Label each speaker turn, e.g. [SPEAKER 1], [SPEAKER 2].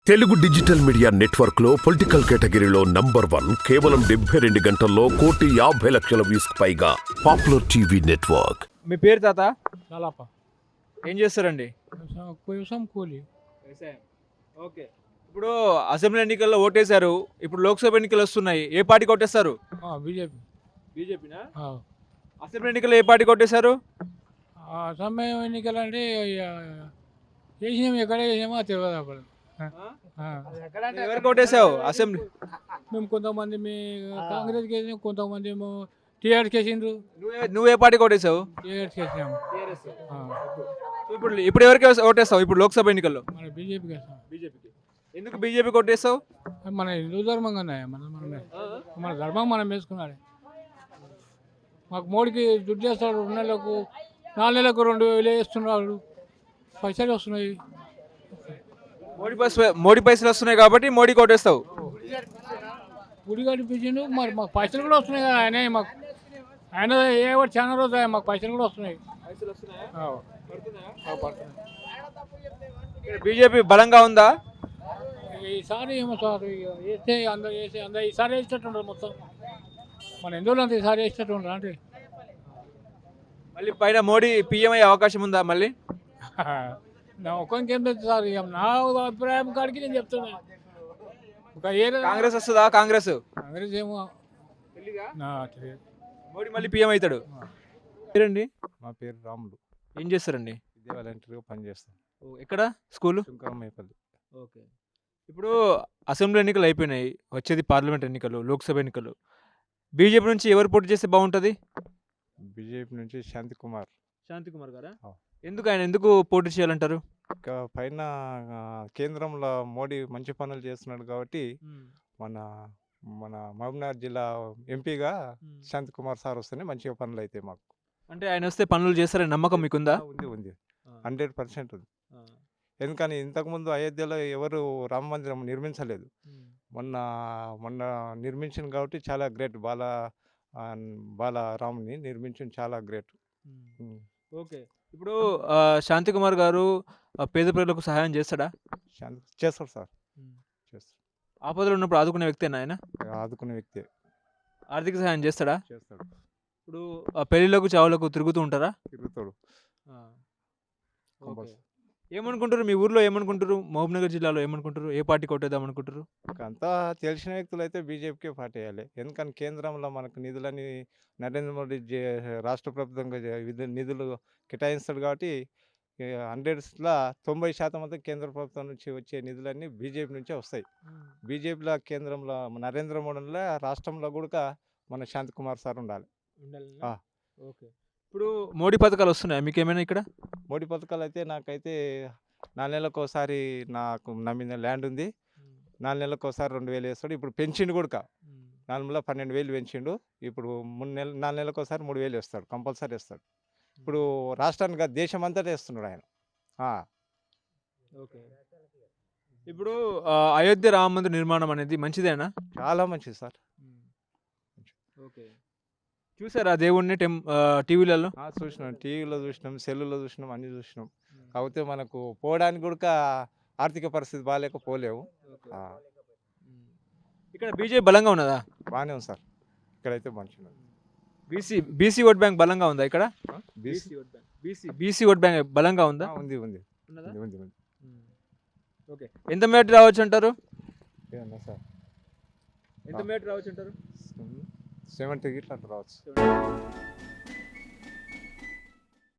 [SPEAKER 1] Telugu digital media network లో political కేటగిరీలో number 1 కేవలం 72 గంటల్లో 1,50,00,000 వ్యూస్ పైగా పాపులర్ టీవీ నెట్వర్క్.
[SPEAKER 2] మీ పేరు తాత?
[SPEAKER 3] చాలాప
[SPEAKER 2] ఏం చేస్తారండి?
[SPEAKER 3] వ్యవసాయం కూలి.
[SPEAKER 2] వ్యవసాయం. ఓకే. ఇప్పుడు అసెంబ్లీ ఎన్నికల్లో ఓటేశారు, ఇప్పుడు లోక్సభ ఎన్నికలు వస్తున్నాయి. ఏ పార్టీకి ఓటేస్తారు?
[SPEAKER 3] బీజేపీ.
[SPEAKER 2] బీజేపీనా? అసెంబ్లీ ఎన్నికల్లో ఏ పార్టీకి ఓటేశారు?
[SPEAKER 3] సమయం ఎన్నికలు అంటే చేసినాం, ఎక్కడ చేసినామో తెలియదు అప్పుడు.
[SPEAKER 2] ఎవరికి ఓటేసావు అసెంబ్లీ?
[SPEAKER 3] మేము కొంతమంది కాంగ్రెస్కి వేసినాం, కొంతమంది ఏమో టీఆర్ఎస్కి వేసిండ్రు.
[SPEAKER 2] నువ్వు ఏ పార్టీకి ఓటేసావు?
[SPEAKER 3] టీఆర్ఎస్కి వేసినాము.
[SPEAKER 2] ఇప్పుడు ఎవరికి ఓటేస్తావు ఇప్పుడు లోక్సభ ఎన్నికల్లో?
[SPEAKER 3] మన బీజేపీకి వేస్తాం.
[SPEAKER 2] బీజేపీకి. ఎందుకు బీజేపీకి ఓటేస్తావు?
[SPEAKER 3] మన హిందూ ధర్మంగా మన ధర్మం మనం వేసుకున్నాడు. మాకు మోడీకి దుడ్డు చేస్తాడు, 2 నెలలకు 4 నెలలకు 2,000 వేస్తున్నాడు, పైసలు వస్తున్నాయి.
[SPEAKER 2] మోడీ పైసలు వస్తున్నాయి కాబట్టి మోడీకి ఓటేస్తావు.
[SPEAKER 3] గుడి కనిపించిండు, మరి మాకు పైసలు కూడా వస్తున్నాయి కదా. ఆయన ఏ చాలా రోజు మాకు పైసలు కూడా వస్తున్నాయి.
[SPEAKER 2] బీజేపీ బలంగా ఉందా
[SPEAKER 3] ఈసారి? ఏమో సార్, వేస్తే అందరూ ఈసారి వేసేటట్టు మొత్తం మన ఎందులో అంత ఈసారి వేసేటట్టు ఉండరు అంటే.
[SPEAKER 2] మళ్ళీ పైన మోడీ పీఎం అయ్యే అవకాశం ఉందా మళ్ళీ?
[SPEAKER 3] నా ఒక్కరికి ఏం తెలుసు సార్, నా అభిప్రాయం కాడికి నేను చెప్తున్నా.
[SPEAKER 2] కాంగ్రెస్ వస్తుందా? కాంగ్రెస్
[SPEAKER 3] ఏమో తెలియదు.
[SPEAKER 2] మోడీ మళ్ళీ పీఎం అవుతాడు. పేరండి?
[SPEAKER 4] మా పేరు రాములు.
[SPEAKER 2] ఏం చేస్తారండి?
[SPEAKER 4] విద్యా వాలంటీర్గా పనిచేస్తాం.
[SPEAKER 2] ఎక్కడ స్కూలు?
[SPEAKER 4] శంకరమయ్యపల్లి.
[SPEAKER 2] ఓకే. ఇప్పుడు అసెంబ్లీ ఎన్నికలు అయిపోయినాయి, వచ్చేది పార్లమెంట్ ఎన్నికలు, లోక్సభ ఎన్నికలు. బీజేపీ నుంచి ఎవరు పోటీ చేస్తే బాగుంటుంది?
[SPEAKER 4] బీజేపీ నుంచి శాంతికుమార్.
[SPEAKER 2] శాంతికుమార్ గారా?
[SPEAKER 4] ఆ.
[SPEAKER 2] ఎందుకు పోటీ చేయాలంటారు?
[SPEAKER 4] ఇంకా పైన కేంద్రంలో మోడీ మంచి పనులు చేస్తున్నాడు కాబట్టి మన మన మహబూబ్నగర్ జిల్లా ఎంపీగా శాంతికుమార్ సార్ వస్తేనే మంచిగా పనులు అవుతాయి మాకు.
[SPEAKER 2] అంటే ఆయన వస్తే పనులు చేస్తారని నమ్మకం మీకుందా?
[SPEAKER 4] ఉంది 100% ఉంది. ఎందుకని ఇంతకుముందు అయోధ్యలో ఎవరు రామ మందిరం నిర్మించలేదు, మొన్న నిర్మించింది కాబట్టి చాలా గ్రేట్. బాలరాముని నిర్మించింది, చాలా గ్రేట్.
[SPEAKER 2] ఓకే. ఇప్పుడు శాంతికుమార్ గారు పేద ప్రజలకు సహాయం చేస్తాడా?
[SPEAKER 4] చేస్తాడు సార్, చేస్తాడు.
[SPEAKER 2] ఆపదలో ఉన్నప్పుడు ఆదుకునే వ్యక్తేనా ఆయన?
[SPEAKER 4] ఆదుకునే వ్యక్తే.
[SPEAKER 2] ఆర్థిక సహాయం చేస్తాడా?
[SPEAKER 4] చేస్తాడు.
[SPEAKER 2] ఇప్పుడు పెళ్లిళ్ళకు చావులకు తిరుగుతూ ఉంటారా?
[SPEAKER 4] తిరుగుతాడు.
[SPEAKER 2] ఏమనుకుంటారు మీ ఊర్లో? ఏమనుకుంటారు మహబూబ్నగర్ జిల్లాలో? ఏమనుకుంటారు? ఏ పార్టీ కొట్టేద్దాం అనుకుంటారు?
[SPEAKER 4] అంతా తెలిసిన వ్యక్తులు అయితే బీజేపీకే పార్టీ వేయాలి. ఎందుకని కేంద్రంలో మనకు నిధులని నరేంద్ర మోడీ రాష్ట్ర ప్రభుత్వంగా నిధులు కేటాయిస్తాడు కాబట్టి 100లో 90% అంతా కేంద్ర ప్రభుత్వం నుంచి వచ్చే నిధులన్నీ బీజేపీ నుంచే వస్తాయి. బీజేపీలో కేంద్రంలో నరేంద్ర మోడీలో రాష్ట్రంలో కూడా మన శాంతికుమార్ సార్ ఉండాలి.
[SPEAKER 2] ఓకే. ఇప్పుడు మోడీ పథకాలు వస్తున్నాయి మీకు ఏమైనా ఇక్కడ?
[SPEAKER 4] మోడీ పథకాలు అయితే నాకైతే 4 నెలలకు ఒకసారి, నా మీద ల్యాండ్ ఉంది, 4 నెలలకు ఒకసారి 2,000 వేస్తాడు. ఇప్పుడు పెంచిండు కూడా, 4 12,000 పెంచిండు. ఇప్పుడు 4 నెలలకు ఒకసారి 3,000 వేస్తాడు, కంపల్సరీ వేస్తాడు. ఇప్పుడు రాష్ట్రానికి దేశం అంతటా వేస్తున్నాడు ఆయన.
[SPEAKER 2] ఓకే. ఇప్పుడు అయోధ్య రామ మందిర నిర్మాణం అనేది మంచిదేనా?
[SPEAKER 4] చాలా మంచిది సార్.
[SPEAKER 2] ఓకే. చూసారా దేవుణ్ణి టీవీలలో?
[SPEAKER 4] చూసినాం, టీవీలో చూసినాం, సెల్లులో చూసినాం, అన్ని చూసినాం. కాకపోతే మనకు పోవడానికి కూడా ఆర్థిక పరిస్థితి బాగాలేక పోలేవు.
[SPEAKER 2] ఇక్కడ బీజేపీ బలంగా ఉన్నదా?
[SPEAKER 4] బాగానే ఉంది సార్, ఇక్కడైతే మంచిగా.
[SPEAKER 2] బీసీ ఓట్ బ్యాంక్ బలంగా ఉందా ఇక్కడ? బీసీ ఓట్ బ్యాంక్ బలంగా ఉందా?
[SPEAKER 4] ఉంది.
[SPEAKER 2] ఓకే. ఎంత మేట రావచ్చు అంటారు?
[SPEAKER 4] సార్
[SPEAKER 2] ఎంత మేట రావచ్చు అంటారు?
[SPEAKER 4] 70 గిట్లా రావచ్చు.